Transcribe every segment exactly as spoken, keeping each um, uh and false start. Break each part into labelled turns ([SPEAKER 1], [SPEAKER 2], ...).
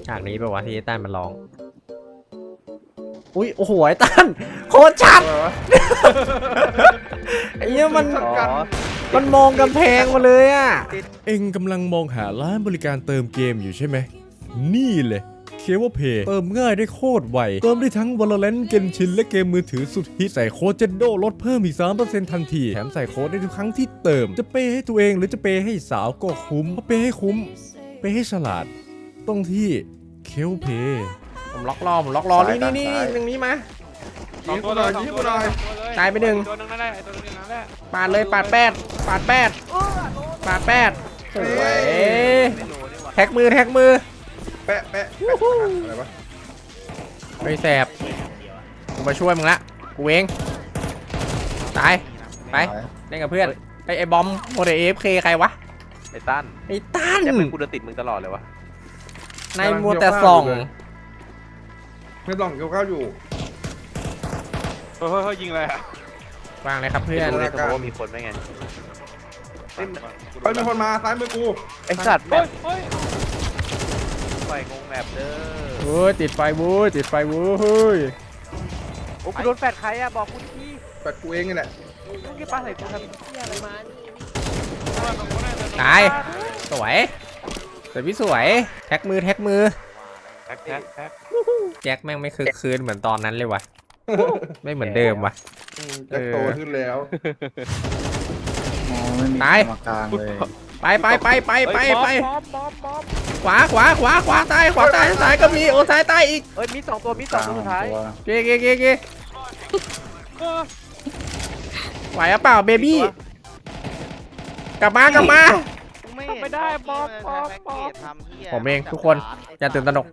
[SPEAKER 1] ฉากนี้แปลว่าที่ไอ้ตั้นมันร้องอุ้ยโอ้โหไอ้ตั้นโคตรชัดไอ้เนี้ยมันมันมองกำแพงมาเลยอ่ะเอ็งกำลังมองหาร้านบริการเติมเกมอยู่ใช่ไหมนี่เลยเคเบิลเพย์เติมง่ายได้โคตรไวเติมได้ทั้ง Valorant Genshin และเกมมือถือสุดฮิตใส่โค้ดเจนโดลดเพิ่มอีก สามเปอร์เซ็นต์ ทันทีแถมใส่โค้ดได้ทุกครั้งที่เติมจะเปย์ให้ตัวเองหรือจะเปย์ให้สาวก็คุ้มเพราะเปย์ให้คุ้มเปย์ให้ฉลาดต้องที่เคเบิลเพย์ผมล็อกรอผมล็อกรอนี่นี่นี่ตรงนี้มา
[SPEAKER 2] ยิงกูหน่อยยิงกูหน่อย
[SPEAKER 1] ตายไปหนึ่ง
[SPEAKER 2] ตัวนึงนั่นแหละตัวนึงนั่นแหละ
[SPEAKER 1] ปาดเลยปาดแปดปาดแปดปาดแปดสวยแท็กมือแท็กมือ
[SPEAKER 2] แปะแปะแปะอะไรวะ
[SPEAKER 1] ไปแสบกูมาช่วยมึงละกูเองตายไปเล่นกับเพื่อนไอไอบอมโมเดลเอฟเคใครวะ
[SPEAKER 3] ไอ้ตั้น
[SPEAKER 1] ไอตั้น
[SPEAKER 3] จะเป็นกูเดินติดมึงตลอดเลยวะ
[SPEAKER 1] ในมัวแต่ส่อง
[SPEAKER 2] ไม่ต้องเกี่ยวข้าวอยู่
[SPEAKER 3] เฮ้ยเฮ้ยยิงเลยอะ
[SPEAKER 1] วางเลยครับเพื่อน
[SPEAKER 3] ดูในสมองว่ามีคนไหมไง
[SPEAKER 2] เฮ้ยมีคนมาซ้ายมือกู
[SPEAKER 3] ไอ้สัตว์แบบไฟงงแบบเด้อ
[SPEAKER 1] โอ้ยติดไฟบู๊ติดไฟบู๊เฮ้ย
[SPEAKER 3] โอ้กูโดนแฟดใครอะบอกกูที
[SPEAKER 2] แปะกูเองนี่แหละ
[SPEAKER 3] มึงแค่ปาใส่กูทำเหี้ยอะไรมา
[SPEAKER 1] ตายสวยแต่พี่สวยแท็กมือแท็กมือ
[SPEAKER 3] แท็กแท็กแท็ก
[SPEAKER 1] แจ็คแม่งไม่คือคืนเหมือนตอนนั้นเลยวะไม่เหมือนเดิมวะ
[SPEAKER 2] แจ็คโตขึ้นแล้ว
[SPEAKER 1] ตาย
[SPEAKER 4] กลางเลย
[SPEAKER 1] ไปไปไปไปไปไปขวาขวาขวาขวาตายขวาตายซ้ายก็มีโอ้ซ้ายตายอีก
[SPEAKER 3] เอ้ยมีสองตัวมีสองตัวสุดท้าย
[SPEAKER 1] เกเกเกเกไหวหรือเปล่าเบบี้กลับมากลับมา
[SPEAKER 3] ไม่ได้ป๊อปป๊อปป๊อป
[SPEAKER 1] ผมเองทุกคนอย่าตื่นตระหนก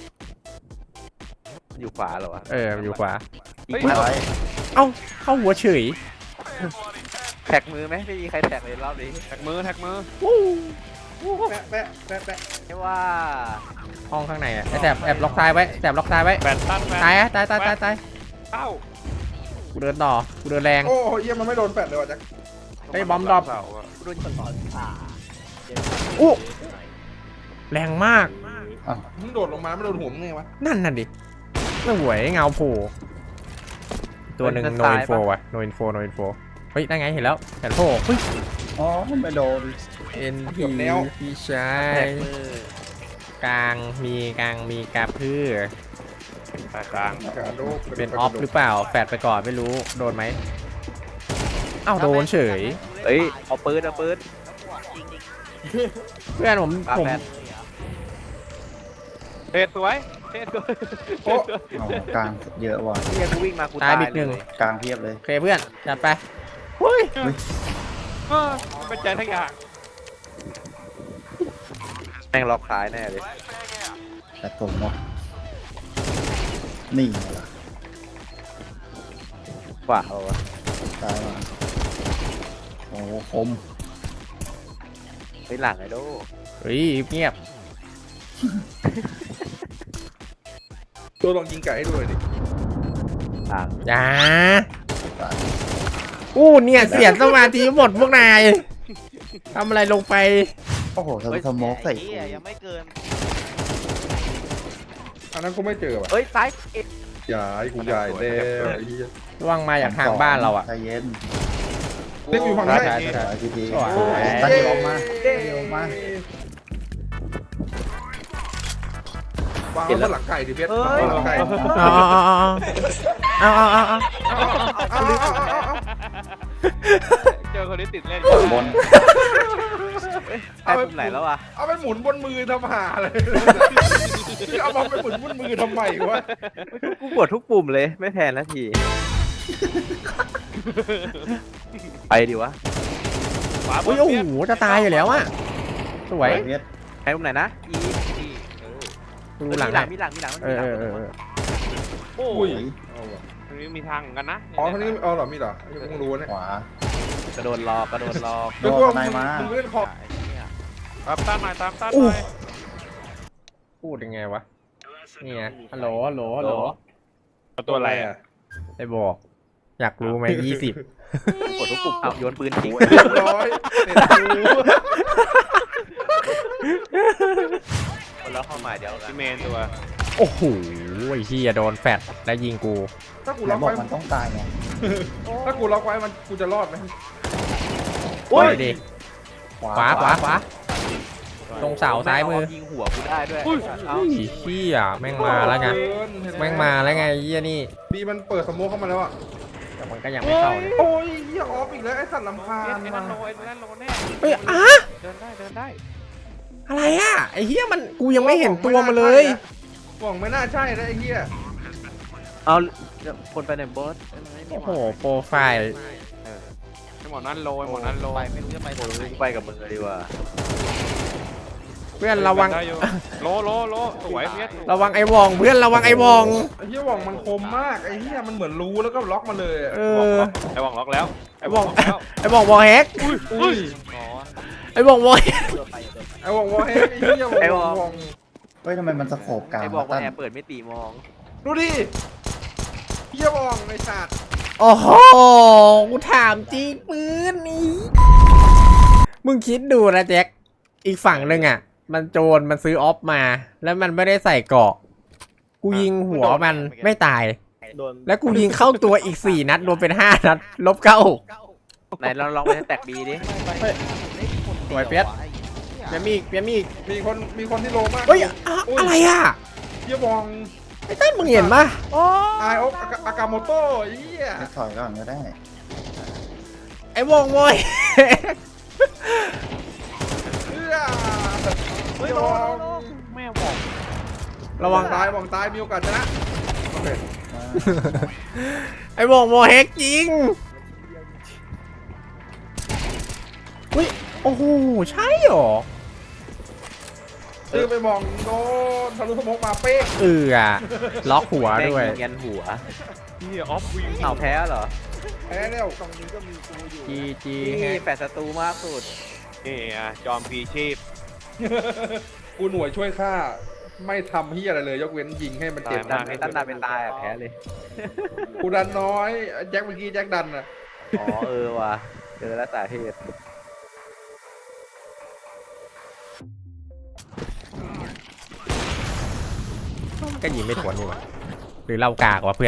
[SPEAKER 3] อยู่ขวาเหรอวะ
[SPEAKER 1] เอออยู่ขวา
[SPEAKER 3] อีกแล้ว
[SPEAKER 1] เอ้าเข้าหัวเฉย
[SPEAKER 3] แท็กมือไหมไม่มีใครแท็กเลยรอบนี้
[SPEAKER 2] แท็กมือแท็กมือแปะแปะแปะแปะ
[SPEAKER 3] ไม่ว่า
[SPEAKER 1] ห้องข้างในอะไอ้แสบแอบล็อกซ้ายไว้แสบล็อกซ้ายไว้
[SPEAKER 2] แปะตั้นแปะ
[SPEAKER 1] ตายอะตายตายตายตาย
[SPEAKER 2] เอ้า
[SPEAKER 1] กูเดินต่อกูเดินแรง
[SPEAKER 2] โอ้ยเยี่ยมันไม่โดนแปะเลยว่ะแจ็ค
[SPEAKER 1] ไอ้บอมดรอป
[SPEAKER 3] โดนต่อขา
[SPEAKER 1] อู้แรงมาก
[SPEAKER 2] มึงโดดลงมาไม่โดนหัวมึงไงวะ
[SPEAKER 1] นั่นน่ะดิไม่หวยเงาโผล่ตัวหนึ่งโนอินโฟอะโนอินโฟโนอินโฟเฮ้ยได้ไงเห็นแล้วแผ่นโผล่เฮ้ย
[SPEAKER 4] อ๋อไม่โดน
[SPEAKER 1] เอ็นพีพี่ชา
[SPEAKER 3] แท็
[SPEAKER 1] ย
[SPEAKER 3] กมือก
[SPEAKER 1] ลางมีกลางมีกาพือ
[SPEAKER 3] กลาง
[SPEAKER 2] กระโดด
[SPEAKER 1] เป็นออฟหรือเปล่าแฟดไปก่อนไม่รู้โดนไหมเอ้าโดนเฉย
[SPEAKER 3] เอ้ยเอาปืนเอาปืน
[SPEAKER 1] เพื่อนผม
[SPEAKER 3] ปา
[SPEAKER 1] ผม
[SPEAKER 3] แฟดเทสวยเทสสวย
[SPEAKER 2] โอ้
[SPEAKER 4] อ๋อกลางเยอะว่ะ
[SPEAKER 3] เฮียกูวิ่งมากู
[SPEAKER 1] ตา
[SPEAKER 3] ตาย ย
[SPEAKER 1] บิดหนึ่ง
[SPEAKER 3] เลย
[SPEAKER 4] กลางเพียบเลย
[SPEAKER 1] โอเคเพื่อนจัดไปเฮ้ย
[SPEAKER 2] เป็นใจทั้งอย่าง
[SPEAKER 3] แม่งล็อกซ้ายแน่เลย
[SPEAKER 4] แต่ผมหมดนี่ไงล่ะ
[SPEAKER 3] ขวาเอาวะ
[SPEAKER 4] ตายมาโอ้โหคม
[SPEAKER 3] ไปหลังไอ้โด
[SPEAKER 1] เฮ้ยเงียบ
[SPEAKER 2] ตัวลองยิงไก่ให้ดูหน่อยดิ
[SPEAKER 3] หลัง
[SPEAKER 1] อย่าอู้เนี่ยเสียสมาธิหมดพวกนายทำอะไรลงไป
[SPEAKER 4] โอ้โหทำสโมกใส่กู
[SPEAKER 3] ยังไม่เกิน
[SPEAKER 2] อันนั้นกูไม่เจอว่ะ
[SPEAKER 3] เอ้ยซ้ายเอ็ด
[SPEAKER 2] ใหญ่กูใหญ่แล้วไอ้เหี้ย
[SPEAKER 1] ระวังมาจากทางบ้านเราอ่ะ
[SPEAKER 4] ใจเย็น
[SPEAKER 2] เล่นอยู่ฝั่ง
[SPEAKER 1] ใช่
[SPEAKER 2] ไหน
[SPEAKER 1] ใช่ใช่
[SPEAKER 4] สายทีที
[SPEAKER 1] โอ้ย
[SPEAKER 4] ตั้งลงมาตั้งลงมา
[SPEAKER 2] วางไว้บนหลังไก่ดิเพชรวางไว้บนหลังไก่
[SPEAKER 1] เอาเอาเอาเอาเอาเอาเอา
[SPEAKER 2] เจอคนนี้ติดเล่น
[SPEAKER 4] บน
[SPEAKER 3] ไอ้ปุ่มไหนแล้ววะ
[SPEAKER 2] เอาไปหมุนบนมือทำหาเลยเอามาไปหมุนบนมือทำไมวะ
[SPEAKER 3] กูกดทุกปุ่มเลยไม่แพ้นาที ไปดิวะ
[SPEAKER 1] อุ้ยโอ้โหจะตายอยู่แล้วอ่ะสวย
[SPEAKER 4] เพียร
[SPEAKER 3] ไอ้ปุ่มไหนนะอี
[SPEAKER 1] ดูหลัง
[SPEAKER 3] มีหลังมีหลังมีหลัง
[SPEAKER 1] เออเออเออ
[SPEAKER 2] โอ้
[SPEAKER 4] โอ้
[SPEAKER 2] ย
[SPEAKER 4] ย
[SPEAKER 5] ตรงนี้มีทางเหมือนกันนะ
[SPEAKER 2] อ๋อท่านี้เอาเหรอมีเหรอยังมึงรู้เนี่ย
[SPEAKER 4] ขวาก
[SPEAKER 3] ระโดดหลอกกระโดดหลอก
[SPEAKER 4] โด
[SPEAKER 2] นึก
[SPEAKER 4] น
[SPEAKER 2] ว่า
[SPEAKER 4] ไหนมา
[SPEAKER 2] มึงเล่นคอ
[SPEAKER 5] ตามต้านหน่อยตามต้านหน่อย
[SPEAKER 1] พูดยังไงวะนี่ไงฮัลโหลฮัลโหลฮัลโหล
[SPEAKER 5] ตัวอะไรอ่ะ
[SPEAKER 1] ไอ้บอกอยากรู้ไหมยี่สิบ
[SPEAKER 3] กดทุกปุ่มเอาโยนปืนทิ้ง
[SPEAKER 2] เรียบร้อยเน็ตกู
[SPEAKER 3] คนละความหมายเดียวกัน
[SPEAKER 5] พี่เมนตัว
[SPEAKER 1] โอ้โหไอ้เหี้ยโดนแฟดแล้วยิงกู
[SPEAKER 2] ถ้ากู
[SPEAKER 4] ไหน
[SPEAKER 2] ล็อก
[SPEAKER 4] บอก
[SPEAKER 2] ไว้
[SPEAKER 4] มันต้องตายไง
[SPEAKER 2] ถ้ากูล็อกไว้มันกูจะรอดไหม
[SPEAKER 1] โอ้ยดิ
[SPEAKER 4] ขวา
[SPEAKER 1] ขวาขวาขวาตรงเสาซ้ายมือ
[SPEAKER 3] ยิงหัวกูได้ด้วย
[SPEAKER 5] อุ้ย
[SPEAKER 3] เอา
[SPEAKER 1] ไอ้เหี้ยแม่งมาแล้วไง
[SPEAKER 2] เกินเห็นไห
[SPEAKER 1] แม่งมาแล้วไงไอ้เหี้ยนี่
[SPEAKER 2] บีมันเปิดสโมกเข้ามาแล้วอ่ะ
[SPEAKER 1] แต่มันก็ยังไม่เข้านะ
[SPEAKER 2] โอ้ยเหี้ยออฟอีกแล้วไอ้สัตว์ลำพา
[SPEAKER 5] ไอ้
[SPEAKER 2] ญ
[SPEAKER 5] นั่
[SPEAKER 2] มาน
[SPEAKER 5] โลไอ้นั่นโลแน่
[SPEAKER 1] เฮ้ยอะ
[SPEAKER 5] เดินได้เดินได้
[SPEAKER 1] อะไรอ่ะไอ้เหี้ยมันกูยังไม่เห็นตัวมันเลย
[SPEAKER 2] หวังไม่น่าใช่นะไอ้เหี้ย
[SPEAKER 3] เอาคนไปไหนบอส
[SPEAKER 1] โอ้โหโปรไฟล์
[SPEAKER 5] ไอ้หมอนั่นโลไอ้หมอนั่นโล
[SPEAKER 3] ไปไม่รู้จะไปไหนกูไปกับมึงเลยดีกว่า
[SPEAKER 1] เพื่อนระวัง
[SPEAKER 5] ได้อยู่โลโลโลสวยเพี้ย
[SPEAKER 1] ระวังไอ้วองเพื่อนระวังไอ้วอง
[SPEAKER 2] ไอ้เหี้ยหวังมันคมมากไอ้เหี้ยมันเหมือนรู้แล้วก็ล็อกมาเลยอะ
[SPEAKER 1] เออ
[SPEAKER 5] ไอ้หวังล็อกแล้ว
[SPEAKER 1] ไอ้วอง
[SPEAKER 5] ล็อกแล้ว
[SPEAKER 1] ไอ้วองวอลแฮก
[SPEAKER 2] อุ้ย
[SPEAKER 3] อ๋อ
[SPEAKER 1] ไอ้วองวอลแฮก
[SPEAKER 2] ไอ้หวังวอเฮไอ้เหี้ยหวัง
[SPEAKER 3] ไอ้หวัง
[SPEAKER 2] หวัง
[SPEAKER 4] เฮ้ยทำไมมันสโคบกลาง
[SPEAKER 3] ไอ้บอกว่า
[SPEAKER 4] ตั้น
[SPEAKER 3] แอร์เปิดไม่ตีมอง
[SPEAKER 2] ดูดิเหี้ยหวังไอ้สัตว์
[SPEAKER 1] โอ้โหกูถามจริงปืนนี้มึงคิดดูนะแจ็คอีกฝั่งหนึ่งอ่ะ มันโจรมันซื้อออฟมา แล้วมันไม่ได้ใส่เกราะกูยิงหัวมันไม่ตาย
[SPEAKER 3] โดน
[SPEAKER 1] แล้วกูยิงเข้าตัวอีกสี่นัดรวมเป็นห้านัดลบเก้า
[SPEAKER 3] ไหนลองลองไปแตกบีดิ
[SPEAKER 1] สวยเปียสเปียมีอีกเปียมีอีก
[SPEAKER 2] มีคนมีคนที่โลมาก
[SPEAKER 1] เฮ้ยอะอะไรอ่ะ
[SPEAKER 2] เหี้ยหวัง
[SPEAKER 1] ไอ้เต้นมึงเห็นปะ
[SPEAKER 2] ไอโออากาโมโต้ไอ้เหี้ย
[SPEAKER 4] ไม่ถอยก่อนก็ได้
[SPEAKER 1] ไอ้วงโวย
[SPEAKER 2] เหี้ยเฮ้ยหวัง
[SPEAKER 3] แม่บอก
[SPEAKER 1] ระวัง
[SPEAKER 2] ตายหวังตายมีโอกาสชนะโอเค
[SPEAKER 1] ไอ้วงโมเฮกจริงอุ้ยโอ้โหใช่เหรอ
[SPEAKER 2] ซื้อไปมองโดนทะลุสโมกมาเป๊ะ
[SPEAKER 1] เอออะล็อกหัวด้วย
[SPEAKER 3] แม่งยิงยันหัว
[SPEAKER 5] นี่ออฟวิง
[SPEAKER 3] เอาแพ้เหรอ
[SPEAKER 2] แพ้แล้วตรงนี้ก็มีกูอยู่
[SPEAKER 1] จีจี
[SPEAKER 3] นี่แปดศัตรูมากสุด
[SPEAKER 5] นี่อ่ะจอมพีชีพ
[SPEAKER 2] กูหน่วยช่วยฆ่าไม่ทำเฮียอะไรเลย ยกเว้นยิงให้มันเจ็บ
[SPEAKER 3] ดันไอ้ตั้นดันเป็นตายอ่ะแพ้เลย
[SPEAKER 2] กูดันน้อยแจ็คเมื่อกี้แจ็คดันอ่ะ
[SPEAKER 3] อ๋อเออว่ะเจอแล้วสาเหตุ
[SPEAKER 1] ก็ยิงไม่ถวนนี่หว่าหรือเรากากวะเพื่อน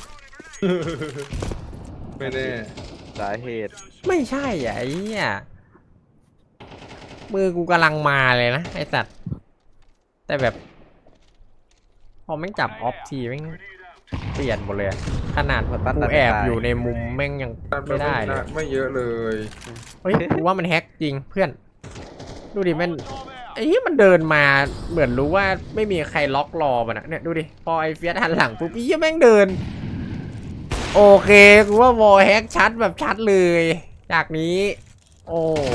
[SPEAKER 2] ไม่แน่
[SPEAKER 3] สาเหตุ
[SPEAKER 1] ไม่ใช่อ่ะไอ้เหี้ยมือกูกำลังมาเลยนะไอ้สัตว์แต่แบบ พอแม่งจับออฟทีแม่งเปลี่ยนหมดเลยอะขนาดกูแอบอยู่ในมุมแม่งยังไม่ได้เลย
[SPEAKER 2] ไม่เยอะเลย
[SPEAKER 1] เฮ้ยกูว่ามันแฮกจริงเพื่อน ดูดิมันไอ้เหี้ยมันเดินมาเหมือนรู้ว่าไม่มีใครล็อกรอมันอะเนี่ยดูดิพอไอ้เฟียสหันหลังปุ๊บไอ้เหี้ยแม่งเดิน โอเคกูว่าวอลแฮกชัดแบบชัดเลย จากนี้ โอ้โห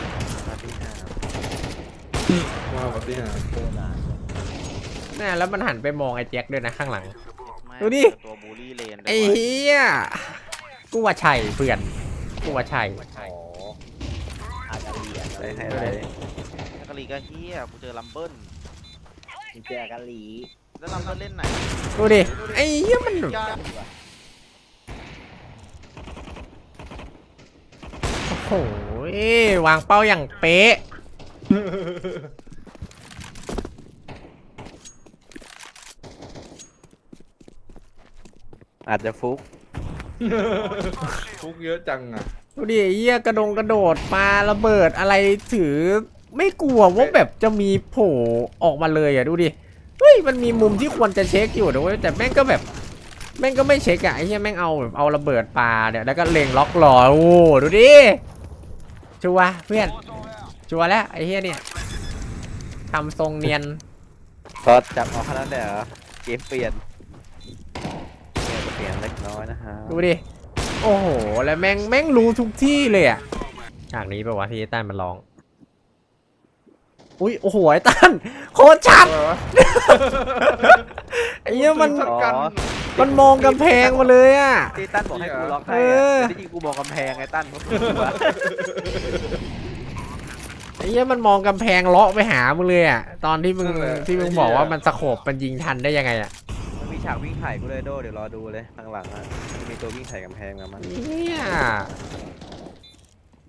[SPEAKER 2] ว้าวปฏิหาร
[SPEAKER 1] น่าแล้วมันหันไปมองไอ้แจ็คด้วยนะข้างหลัง ดูดิ
[SPEAKER 3] ตัวบูลลี่เลน
[SPEAKER 1] ไอ้เหี้ยกูว่าใช่เพื่อนกูว่าใช่
[SPEAKER 3] อาจจะเรียนอะไรให้อะไรกะลีก็เฮียกูเจอลัมเบิ้ลเจอกะลีแล้วลัมเบิ้ลเล่นไหน
[SPEAKER 1] ดูดิไอ้เหี้ยมันแบบโอ้โหวางเป้าอย่างเป๊ะ
[SPEAKER 3] อาจจะฟุก
[SPEAKER 2] ทุกเยอะจังอ่ะ
[SPEAKER 1] ดูดิไอ้เหี้ยกระดงกระโดดปาระเบิดอะไรถือ ไม่กลัวว่าแบบจะมีโผล่ออกมาเลยอ่ะดูดิเฮ้ยมันมีมุมที่ควรจะเช็คอยู่นะเว้ยแต่แม่งก็แบบแม่งก็ไม่เช็คอ่ะไอ้เหี้ยแม่งเอาแบบเอาระเบิดปาเนี่ยแล้วก็เล็งล็อกรอโอ้ดูดิชัวร์เพื่อนชัวร์แล้วไอ้เหี้ยเนี่ยทำทรงเนียน
[SPEAKER 3] ก็จับเอาขนาดนั้นเลยเหรอเกมเปลี่ยนเกมเปลี่ยนเล็กน้อยนะฮะ
[SPEAKER 1] ดูดิ โอ้โห แล้วแม่งแม่งรู้ทุกที่เลยอ่ะฉากนี้แปลว่าที่ไอ้ต้านมันร้อง อุ้ย โอ้โห ไอ้ต้านโคตรชัด
[SPEAKER 2] อะไรวะ
[SPEAKER 1] ไอ้เนี้ยมัน
[SPEAKER 2] ชัดกัน
[SPEAKER 1] มันมองกำแพงมาเลยอ่ะ
[SPEAKER 3] ที่ตั้นบอกให้กูล็อกให้
[SPEAKER 1] เออ
[SPEAKER 3] อะที่จริงกูมองกำแพงไงตั้นเพราะกูกลัว
[SPEAKER 1] ไอ้เนี้ยมันมองกำแพงเลาะไปหามึงเลยอ่ะ ตอนที่มึงที่มึงบอกว่ามันสโคบมันยิงทันได้ยังไงอ่ะ
[SPEAKER 3] มันมีฉากวิ่งไถ่กูเลยโดเดี๋ยวรอดูเลยข้างหลังอ่ะจะมีตัววิ่งไถ่กำแพงมามัน
[SPEAKER 1] เนี่ย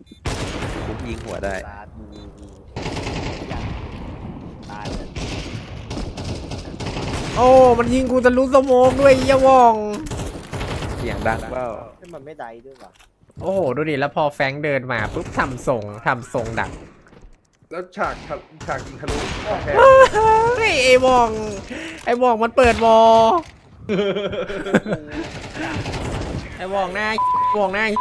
[SPEAKER 3] กูยิงหัวได้
[SPEAKER 1] โโอ้มันยิงกูทะลุสโมกด้วยไอ้เหี้ยวอง
[SPEAKER 3] เสียงดังเปล่า
[SPEAKER 4] มันไม่ได้ด้วยว่ะ
[SPEAKER 1] โอ้โหดูดิแล้วพอแฟรงค์เดินมาปุ๊บทำทรงทำทรงดัก
[SPEAKER 2] แล้วฉากทะฉากยิงทะลุกำแพง
[SPEAKER 1] เฮ้ยไอ้วองไอ้วองมันเปิดวอไอ้วองหน้าวองหน้า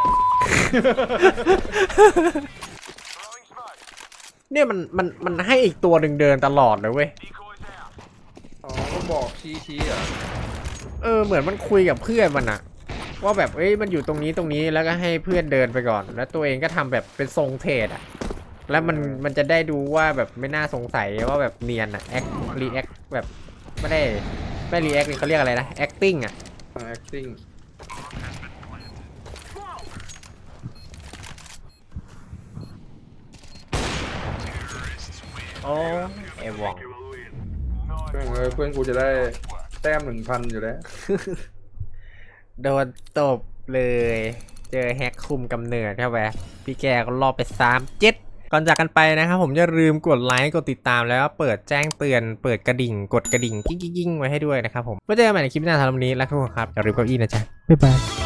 [SPEAKER 1] เนี่ยมันมันมันให้อีกตัวหนึ่งเดินตลอดเลยเว้ย
[SPEAKER 2] อ๋อก็บอกชี้ชี้อ่ะ
[SPEAKER 1] เออเหมือนมันคุยกับเพื่อนมันอะว่าแบบเอ้ยมันอยู่ตรงนี้ตรงนี้แล้วก็ให้เพื่อนเดินไปก่อน แล้วตัวเองก็ทำแบบเป็นทรงเทรดอะแล้วมันมันจะได้ดูว่าแบบไม่น่าสงสัยว่าแบบเนียนอะแอครีแอคแบบไม่ได้ไม่รีแอคเขาเรียกอะไรนะ acting อะ
[SPEAKER 2] อ่า acting
[SPEAKER 1] โอ้ไอ้วอง
[SPEAKER 2] เพื่อนเอ้ยเพื่อนกูจะได้แต้มหนึ่งพันอยู่แล้ว
[SPEAKER 1] โดนตบเลย เจอแฮกคุมกำเนิดเข้าไปพี่แกก็รอบไปสามเจ็ดก่อนจากกันไปนะครับผมอย่าลืมกดไลค์กดติดตามแล้วก็เปิดแจ้งเตือนเปิดกระดิ่งกดกระดิ่งกิ้งกิ้งไว้ให้ด้วยนะครับผมไว้เจอกันใหม่ในคลิปหน้าสำหรับวันนี้แล้วทุกคนครับอย่าลืมเก้าอี้นะจ๊ะบ๊ายบาย